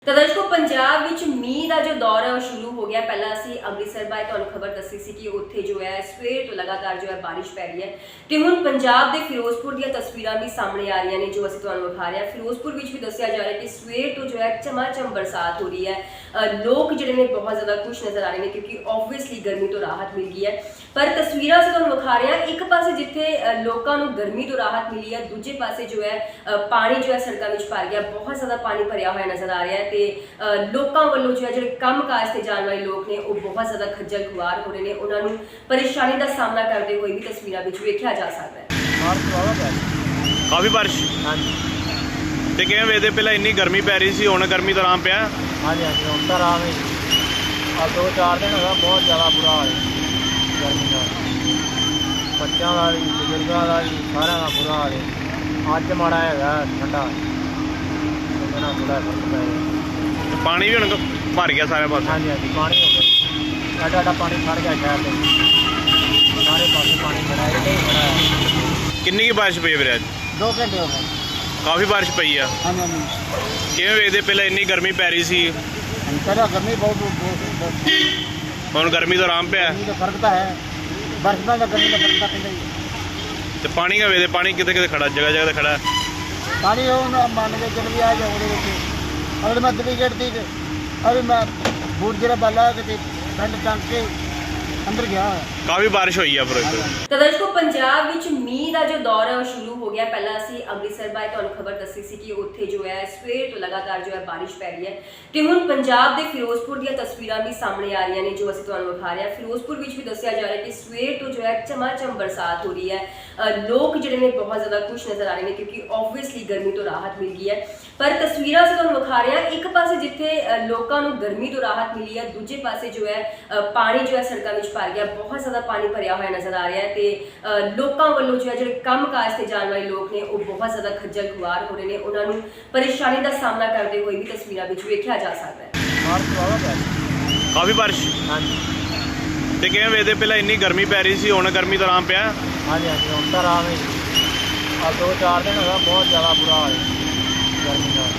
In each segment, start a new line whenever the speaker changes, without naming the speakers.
ਤਾਂ ਦਰਸ਼ਕੋ ਪੰਜਾਬ ਵਿੱਚ ਮੀਂਹ ਦਾ ਜੋ ਦੌਰ ਹੈ ਉਹ ਸ਼ੁਰੂ ਹੋ ਗਿਆ। ਪਹਿਲਾਂ ਅਸੀਂ ਅੰਮ੍ਰਿਤਸਰ ਬਾਰੇ ਤੁਹਾਨੂੰ ਖਬਰ ਦੱਸੀ ਸੀ ਕਿ ਉੱਥੇ ਜੋ ਹੈ ਸਵੇਰ ਤੋਂ ਲਗਾਤਾਰ ਜੋ ਹੈ ਬਾਰਿਸ਼ ਪੈ ਰਹੀ ਹੈ ਤੇ ਹੁਣ ਪੰਜਾਬ ਦੇ ਫਿਰੋਜ਼ਪੁਰ ਦੀਆਂ ਤਸਵੀਰਾਂ ਵੀ ਸਾਹਮਣੇ ਆ ਰਹੀਆਂ ਨੇ ਜੋ ਅਸੀਂ ਤੁਹਾਨੂੰ ਵਿਖਾ ਰਹੇ ਹਾਂ। ਫਿਰੋਜ਼ਪੁਰ ਵਿੱਚ ਵੀ ਦੱਸਿਆ ਜਾ ਰਿਹਾ ਕਿ ਸਵੇਰ ਤੋਂ ਜੋ ਹੈ ਚਮਾਚਮ ਬਰਸਾਤ ਹੋ ਰਹੀ ਹੈ। ਲੋਕ ਜਿਹੜੇ ਨੇ ਬਹੁਤ ਜ਼ਿਆਦਾ ਖੁਸ਼ ਨਜ਼ਰ ਆ ਰਹੇ ਨੇ ਕਿਉਂਕਿ ਆਬਵੀਅਸਲੀ ਗਰਮੀ ਤੋਂ ਰਾਹਤ ਮਿਲ ਗਈ ਹੈ। ਪਰ ਤਸਵੀਰਾਂ ਅਸੀਂ ਤੁਹਾਨੂੰ ਵਿਖਾ ਰਹੇ ਹਾਂ, ਇੱਕ ਪਾਸੇ ਜਿੱਥੇ ਲੋਕਾਂ ਨੂੰ ਗਰਮੀ ਤੋਂ ਰਾਹਤ ਮਿਲੀ ਹੈ, ਦੂਜੇ ਪਾਸੇ ਜੋ ਹੈ ਪਾਣੀ ਜੋ ਹੈ ਸੜਕਾਂ ਵਿੱਚ ਭਰ ਗਿਆ। ਬਹੁਤ ਜ਼ਿਆਦਾ ਪਾਣੀ ਭਰਿਆ ਹੋਇਆ ਨਜ਼ਰ ਆ ਰਿਹਾ ਹੈ ਤੇ ਲੋਕਾਂ ਵੱਲੋਂ ਜੋ ਹੈ ਜਿਹੜੇ ਕੰਮਕਾਜ ਤੇ ਜਾਣ ਵਾਲੇ ਲੋਕ ਨੇ ਉਹ ਬਹੁਤ ਜ਼ਿਆਦਾ ਖੱਜਲ ਖੁਆਰ ਹੋ ਰਹੇ ਨੇ। ਉਹਨਾਂ ਨੂੰ ਪਰੇਸ਼ਾਨੀ ਦਾ ਸਾਹਮਣਾ ਕਰਦੇ ਹੋਏ ਵੀ ਤਸਵੀਰਾਂ ਵਿੱਚ ਵੇਖਿਆ ਜਾ ਸਕਦਾ ਹੈ।
ਕਾਫੀ ਬਾਰਿਸ਼ ਤੇ ਕਿਵੇਂ ਵੇਖਦੇ ਪਹਿਲਾਂ ਇੰਨੀ ਗਰਮੀ ਪੈ ਰਹੀ ਸੀ, ਹੁਣ ਗਰਮੀ ਤੋਂ ਆਰਾਮ ਪਿਆ।
ਹਾਂਜੀ ਹਾਂਜੀ ਹੁਣ ਤਾਂ ਆਰਾਮ ਹੈ। ਆ 2-4 ਦਿਨ ਹੋਗਾ ਬਹੁਤ ਜ਼ਿਆਦਾ ਬੁਰਾ ਹਾਲ ਹੈ ਗਰਮੀ ਦਾ, ਬੱਚਿਆਂ ਦਾ ਵੀ ਬਜ਼ੁਰਗਾਂ ਦਾ ਵੀ ਸਾਰਿਆਂ ਦਾ ਬੁਰਾ ਹਾਲ ਹੈ। ਅੱਜ ਮਾੜਾ ਹੈਗਾ ਠੰਡਾ, ਉਹਦੇ ਨਾਲ ਥੋੜ੍ਹਾ ਫਰਕ ਪੈ ਗਿਆ।
ਪਾਣੀ ਵੀ ਹੁਣ ਭਰ ਗਿਆ ਸਾਰੇ ਪਾਸੇ।
ਹਾਂਜੀ ਹਾਂਜੀ ਪਾਣੀ ਹੋ ਗਿਆ, ਸਾਡਾ ਪਾਣੀ ਖੜ ਗਿਆ ਸ਼ਹਿਰ ਦੇ ਸਾਰੇ ਪਾਸੇ ਪਾਣੀ ਖੜਾ ਹੈ। ਇੱਥੇ ਹੀ ਖੜਾ ਹੈ।
ਕਿੰਨੀ ਕੀ ਬਾਰਿਸ਼ ਪਈ ਵੀਰੇ ਅੱਜ?
2 ਘੰਟੇ ਹੋ ਗਏ।
ਕਾਫੀ ਬਾਰਿਸ਼ ਪਈ ਆ।
ਹਾਂਜੀ ਹਾਂਜੀ
ਕਿਵੇਂ ਵੇਖਦੇ ਪਹਿਲਾਂ ਇੰਨੀ ਗਰਮੀ ਪੈ ਰਹੀ ਸੀ,
ਪਹਿਲਾਂ ਗਰਮੀ ਬਹੁਤ
ਹੁਣ ਗਰਮੀ ਤੋਂ ਆਰਾਮ ਪਿਆ
ਗਰਮੀ ਦਾ ਫਰਕ ਤਾਂ ਹੈ, ਬਰਸਾਤਾਂ ਦਾ ਗਰਮੀ ਦਾ ਫਰਕ ਤਾਂ ਪੈਂਦਾ ਹੀ ਹੈ।
ਤੇ ਪਾਣੀ ਦਾ ਵੇਖਦੇ ਪਾਣੀ ਕਿਤੇ ਕਿਤੇ ਖੜਾ, ਜਗ੍ਹਾ ਜਗ੍ਹਾ ਤੇ ਖੜਾ।
ਪਾਣੀ ਉਹ ਮੰਨ ਕੇ ਚੱਲ ਵੀ ਆ ਜਾ ਉਹਦੇ ਵਿੱਚ ਅਗਰ ਮੈਂ ਡੁਪਲੀਕੇਟ ਦੀ ਅਰੇ ਮੈਂ ਬੂਟ ਜਿਹੜਾ ਬਾਲਾ ਕਿਤੇ ਪਿੰਡ ਟੰਗ ਕੇ ਅੰਦਰ ਗਿਆ।
ਕਾਫੀ ਬਾਰਿਸ਼ ਹੋਈ ਆ ਫਿਰੋਜ਼ਪੁਰ।
ਤਾਂ ਦਰਸ਼ਕੋ ਪੰਜਾਬ ਵਿੱਚ ਮੀਂਹ ਦਾ ਜੋ ਦੌਰ ਹੈ ਉਹ ਸ਼ੁਰੂ ਹੋ ਗਿਆ। ਪਹਿਲਾਂ ਅਸੀਂ ਅੰਮ੍ਰਿਤਸਰ ਬਾਰੇ ਤੁਹਾਨੂੰ ਖਬਰ ਦੱਸੀ ਸੀ ਕਿ ਉੱਥੇ ਜੋ ਹੈ ਸਵੇਰ ਤੋਂ ਲਗਾਤਾਰ ਜੋ ਹੈ ਬਾਰਿਸ਼ ਪੈ ਰਹੀ ਹੈ ਤੇ ਹੁਣ ਪੰਜਾਬ ਦੇ ਫਿਰੋਜ਼ਪੁਰ ਦੀਆਂ ਤਸਵੀਰਾਂ ਵੀ ਸਾਹਮਣੇ ਆ ਰਹੀਆਂ ਨੇ ਜੋ ਅਸੀਂ ਤੁਹਾਨੂੰ ਵਿਖਾ ਰਹੇ ਹਾਂ। ਫਿਰੋਜ਼ਪੁਰ ਵਿੱਚ ਵੀ ਦੱਸਿਆ ਜਾ ਰਿਹਾ ਕਿ ਸਵੇਰ ਤੋਂ ਜੋ ਹੈ ਚਮਾਚਮ ਬਰਸਾਤ ਹੋ ਰਹੀ ਹੈ। ਲੋਕ ਜਿਹੜੇ ਨੇ ਬਹੁਤ ਜ਼ਿਆਦਾ ਖੁਸ਼ ਨਜ਼ਰ ਆ ਰਹੇ ਨੇ ਕਿਉਂਕਿ ਆਬਵੀਅਸਲੀ ਗਰਮੀ ਤੋਂ ਰਾਹਤ ਮਿਲ ਗਈ ਹੈ। ਪਰ ਤਸਵੀਰਾਂ ਅਸੀਂ ਤੁਹਾਨੂੰ ਵਿਖਾ ਰਹੇ ਹਾਂ, ਇੱਕ ਪਾਸੇ ਜਿੱਥੇ ਲੋਕਾਂ ਨੂੰ ਗਰਮੀ ਤੋਂ ਰਾਹਤ ਮਿਲੀ ਹੈ, ਦੂਜੇ ਪਾਸੇ ਜੋ ਹੈ ਪਾਣੀ ਜੋ ਹੈ ਸੜਕਾਂ ਵਿੱਚ ਭਰ ਗਿਆ। ਬਹੁਤ ਜ਼ਿਆਦਾ ਪਾਣੀ ਭਰਿਆ ਹੋਇਆ ਨਜ਼ਰ ਆ ਰਿਹਾ ਹੈ ਤੇ ਲੋਕਾਂ ਵੱਲੋਂ ਜੋ ਹੈ ਜਿਹੜੇ ਕੰਮਕਾਜ ਤੇ ਜਾਣ ਵਾਲੇ ਲੋਕ ਨੇ ਉਹ ਬਹੁਤ ਜ਼ਿਆਦਾ ਖੱਜਲ ਖੁਆਰ ਹੋ ਰਹੇ ਨੇ। ਉਹਨਾਂ ਨੂੰ ਪਰੇਸ਼ਾਨੀ ਦਾ ਸਾਹਮਣਾ ਕਰਦੇ ਹੋਏ ਵੀ ਤਸਵੀਰਾਂ ਵਿੱਚ ਵੇਖਿਆ ਜਾ ਸਕਦਾ ਹੈ।
ਕਾਫੀ ਬਾਰਿਸ਼
ਹਾਂਜੀ
ਤੇ ਕਿਵੇਂ ਵੇਖਦੇ ਪਹਿਲਾਂ ਇੰਨੀ ਗਰਮੀ ਪੈ ਰਹੀ ਸੀ, ਹੁਣ ਗਰਮੀ ਤੋਂ ਆਰਾਮ ਪਿਆ।
ਹਾਂਜੀ ਹਾਂਜੀ ਹੁਣ ਤਾਂ ਆਰਾਮ ਹੈ। ਆ 2-4 ਦਿਨ ਹੋਗਾ ਬਹੁਤ ਜ਼ਿਆਦਾ ਬੁਰਾ ਹਾਲ ਹੈ ਗਰਮੀ ਦਾ,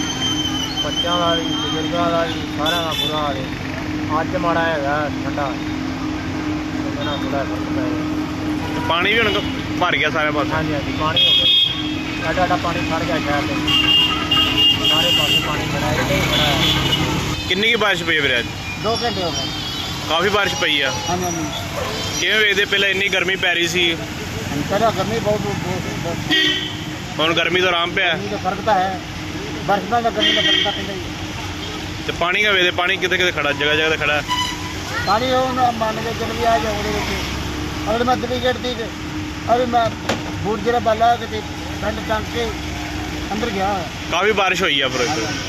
ਬੱਚਿਆਂ ਦਾ ਵੀ ਬਜ਼ੁਰਗਾਂ ਦਾ ਵੀ ਸਾਰਿਆਂ ਦਾ ਬੁਰਾ ਹਾਲ ਹੈ। ਅੱਜ ਮਾੜਾ ਹੈਗਾ ਠੰਡਾ, ਉਹਦੇ ਨਾਲ ਥੋੜ੍ਹਾ ਫਰਕ ਪੈ ਗਿਆ।
ਤੇ ਪਾਣੀ ਵੀ ਹੁਣ ਭਰ ਗਿਆ ਸਾਰੇ ਪਾਸੇ।
ਹਾਂਜੀ ਹਾਂਜੀ ਪਾਣੀ ਹੋ ਗਿਆ, ਸਾਡਾ ਪਾਣੀ ਖੜ ਗਿਆ ਸ਼ਹਿਰ ਦੇ ਸਾਰੇ ਪਾਸੇ ਪਾਣੀ ਖੜਾ ਹੈ। ਇੱਥੇ ਹੀ ਖੜਾ ਹੈ।
ਕਿੰਨੀ ਕੀ ਬਾਰਿਸ਼ ਪਈ ਵੀਰੇ ਅੱਜ?
2 ਘੰਟੇ ਹੋ ਗਏ।
ਕਾਫੀ ਬਾਰਿਸ਼ ਪਈ ਆ।
ਹਾਂਜੀ ਹਾਂਜੀ
ਕਿਵੇਂ ਵੇਖਦੇ ਪਹਿਲਾਂ ਇੰਨੀ ਗਰਮੀ ਪੈ ਰਹੀ ਸੀ,
ਪਹਿਲਾਂ ਗਰਮੀ ਬਹੁਤ
ਹੁਣ ਗਰਮੀ ਤੋਂ ਆਰਾਮ ਪਿਆ।
ਗਰਮੀ ਦਾ ਫਰਕ ਤਾਂ ਹੈ, ਬਰਸਾਤਾਂ ਦਾ ਗਰਮੀ ਦਾ ਫਰਕ ਤਾਂ ਪੈਂਦਾ ਹੀ ਹੈ।
ਤੇ ਪਾਣੀ ਦਾ ਵੇਖਦੇ ਪਾਣੀ ਕਿਤੇ ਕਿਤੇ ਖੜਾ, ਜਗ੍ਹਾ ਜਗ੍ਹਾ ਤੇ ਖੜਾ।
ਪਾਣੀ ਉਹ ਮੰਨ ਕੇ ਚੱਲ ਵੀ ਆ ਜਾ ਉਹਦੇ ਵਿੱਚ ਅਗਰ ਮੈਂ ਡੁਪਲੀਕੇਟ ਦੀ ਅਰੇ ਮੈਂ ਬੂਟ ਜਿਹੜਾ ਬਾਲਾ ਕਿਤੇ ਪਿੰਡ ਟੰਗ ਕੇ ਅੰਦਰ ਗਿਆ।
ਕਾਫੀ ਬਾਰਿਸ਼ ਹੋਈ ਆ ਫਿਰੋਜ਼ਪੁਰ।